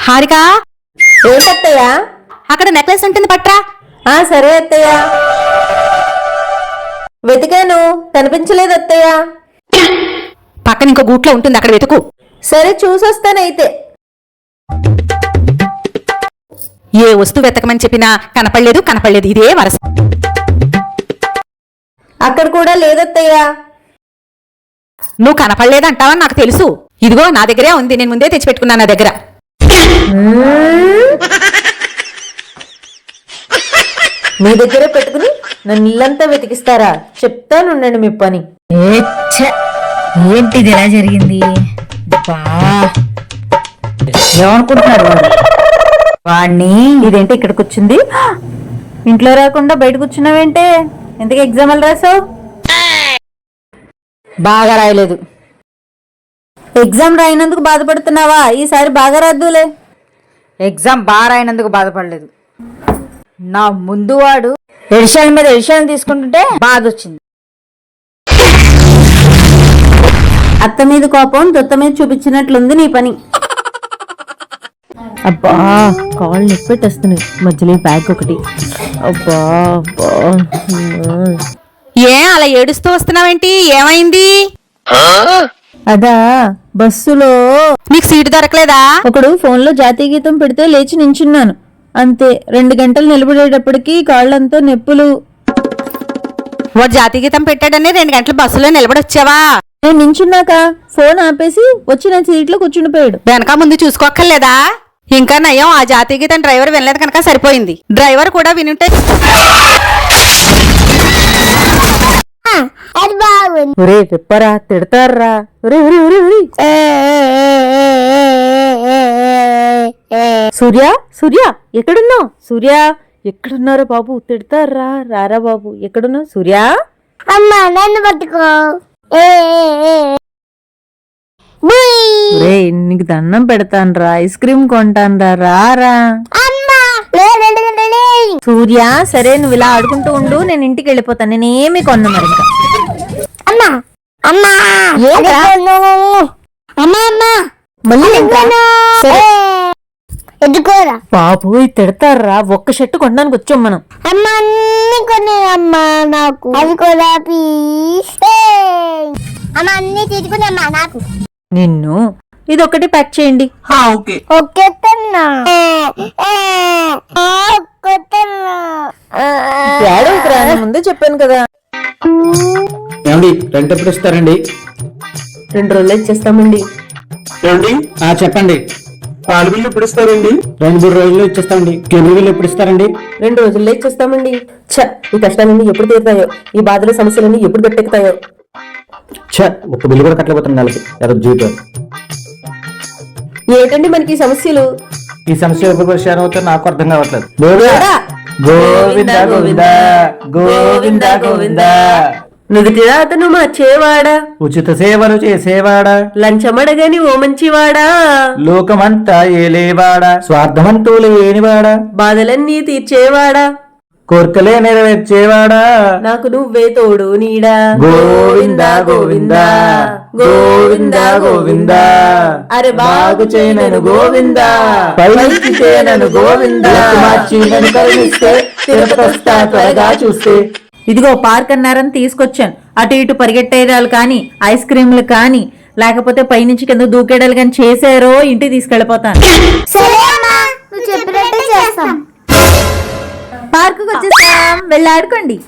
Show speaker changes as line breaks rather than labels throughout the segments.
హారిక,
ఏంటత్తయ్య?
అక్కడ నెక్లెస్ ఉంటుంది పట్రా.
సరే అత్తయ్య. వెతికాను, కనిపించలేదు అత్తయ్య.
పక్కన ఇంకో గూట్లో ఉంటుంది, అక్కడ వెతుకు.
సరే చూసొస్తానైతే.
ఏ వస్తువు వెతకమని చెప్పినా కనపడలేదు ఇదే వరస.
అక్కడ కూడా లేదత్తయ్య.
నువ్వు కనపడలేదంటావని నాకు తెలుసు. ఇదిగో నా దగ్గరే ఉంది, నేను ముందే తెచ్చిపెట్టుకున్నాను నా దగ్గర.
మీ దగ్గరే పెట్టుకుని నన్ను ఇల్లంతా వెతికిస్తారా? చెప్తానుండండి మీ పని.
ఏంటిది ఎలా జరిగింది? ఏమనుకుంటున్నాడు వాడిని?
ఇదేంటి ఇక్కడికి వచ్చింది? ఇంట్లో రాకుండా బయట కూర్చున్నావేంటే? ఎందుకు ఎగ్జామ్లు రాసావు?
బాగా రాయలేదు.
ఎగ్జామ్ రాయినందుకు బాధపడుతున్నావా? ఈసారి బాగా రాద్దులే.
ఎగ్జామ్ బాగా రాయనందుకు బాధపడలేదు. నా ముందు వాడు ఎడిషన్ మీద ఎడిషన్ తీసుకుంటుంటే బాధ వచ్చింది.
అత్త మీద కోపం దొత్త మీద చూపించినట్లుంది నీ పని. అబ్బా, కాళ్ళు నొప్పి పెట్టేస్తున్నాయి. మధ్యలో బ్యాగ్ ఒకటి. అబ్బా అబ్బా.
ఏ అలా ఏడుస్తూ వస్తున్నావేంటి? ఏమైంది?
అదా, బస్సులో
నీకు సీటు దొరకలేదా?
ఒకడు ఫోన్లో జాతీయ గీతం పెడితే లేచి నించున్నాను. అంతే, 2 గంటలు నిలబడేటప్పటికి కాళ్ళంతా నొప్పులు.
వాడు జాతీయ గీతం పెట్టాడని 2 గంటలు బస్సులో నిలబడొచ్చావా?
నేను నించున్నాక ఫోన్ ఆపేసి వచ్చి నా సీట్లో కూర్చుండిపోయాడు.
వెనక ముందు చూసుకోక్కర్లేదా? ఇంకా నయం, ఆ జాతీయ గీతం డ్రైవర్ వినలేదు కనుక సరిపోయింది. డ్రైవర్ కూడా వినుంటే.
ఒరే విప్పరా, తిడతారా? సూర్య, సూర్య ఎక్కడున్నావు? సూర్య ఎక్కడున్నారా బాబు? తిడతారా? రారా బాబు, ఎక్కడున్నావు సూర్య?
అమ్మా నన్ను పట్టుకో.
నీకు దండం పెడతానరా, ఐస్ క్రీమ్ కొంటానరా, రారా. సూర్య సరే, నువ్వు ఇలా ఆడుకుంటూ ఉండు, నేను ఇంటికి వెళ్ళిపోతాను. నేనేమి కొన్నా మరి. బాబు తిడతారా? ఒక్క షర్టు కొనడానికి వచ్చాం మనం.
అమ్మా అన్ని కొనేదమ్మా నాకు. అది కూడా ప్లీజ్. అమ్మా అన్ని తీసుకునేమ్మా నాకు.
నిన్ను ఇదొక్కటి ప్యాక్ చేయండి. ముందే చెప్పాను కదా.
ఏమండి, రెంట్ ఎప్పుడు ఇస్తారండి?
2 రోజులు ఇచ్చేస్తామండి.
ఏమండి, చెప్పండి. పాలు బిల్లు ఎప్పుడు ఇస్తారండి? 2-3 రోజుల్లో ఇచ్చేస్తామండి. కేబుల్ బిల్లు ఎప్పుడు ఇస్తారండి?
2 రోజుల్లో ఇచ్చేస్తామండి. ఈ కష్టాలన్నీ ఎప్పుడు తీరుతాయో, ఈ బాధల సమస్యలన్నీ ఎప్పుడు గట్టెక్కుతాయో.
ఒక్క బిల్లు కూడా కట్టలేకపోతుంది నెలకి. జీవితం
ఏంటండి మనకి ఈ సమస్యలు?
ఈ సమస్య ఎప్పుడు పరిష్కారం అవుతారో నాకు అర్థం కావట్లేదు. గోవింద గోవింద గోవింద గోవింద.
నుదుటిదా అతను మార్చేవాడా,
ఉచిత సేవలు చేసేవాడా,
లంచమడగని ఓ మంచివాడా,
లోకమంతా ఏలేవాడా, స్వార్థమంటూ లేనివాడా,
బాధలన్నీ తీర్చేవాడా,
కోర్కలే నెరవేర్చేవాడా,
నాకు నువ్వే తోడు నీడా.
గోవింద గోవింద గోవింద గోవింద.
అరే
బాగు చేయనను గోవింద, పైకి చేయనను గోవింద, మార్చి నన్ను కరుణిస్తే తిరుపతొస్తా త్వరగా చూస్తే.
ఇదిగో పార్క్ అన్నారని తీసుకొచ్చాను. అటు ఇటు పరిగెట్టేయడాలు కానీ, ఐస్ క్రీమ్లు కానీ, లేకపోతే పైనుంచి కింద దూకేడాలు కానీ చేశారో ఇంటికి తీసుకెళ్లిపోతాను. పార్కు వచ్చేసాం, వెళ్ళి ఆడుకోండి.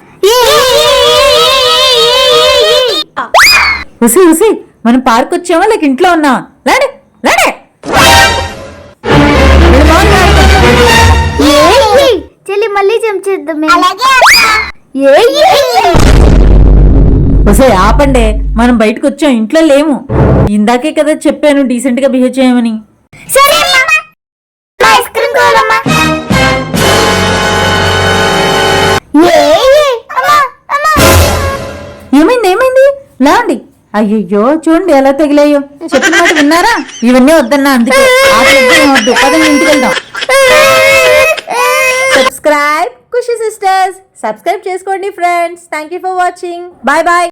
ఉసి ఉసి, మనం పార్క్ వచ్చామా లేక ఇంట్లో ఉన్నావా? లాడే లాడే.
చెల్లి మళ్ళీ చెంచేద్దాం.
ఆపండే, మనం బయటకు వచ్చాం, ఇంట్లో లేము. ఇందాకే కదా చెప్పాను డీసెంట్ గా బిహేవ్ చేయమని. ఏమైంది ఏమైంది? లాండి. అయ్యయ్యో, చూడండి ఎలా తగిలాయో. చెప్పిన మాట విన్నారా? ఇవన్నీ వద్దన్నా, అందుకే వద్దు. పదండి ఇంటికి వెళ్దాం. Subscribe Khushi sisters. సబ్స్క్రైబ్ చేసుకోండి friends. Thank you for watching. Bye bye.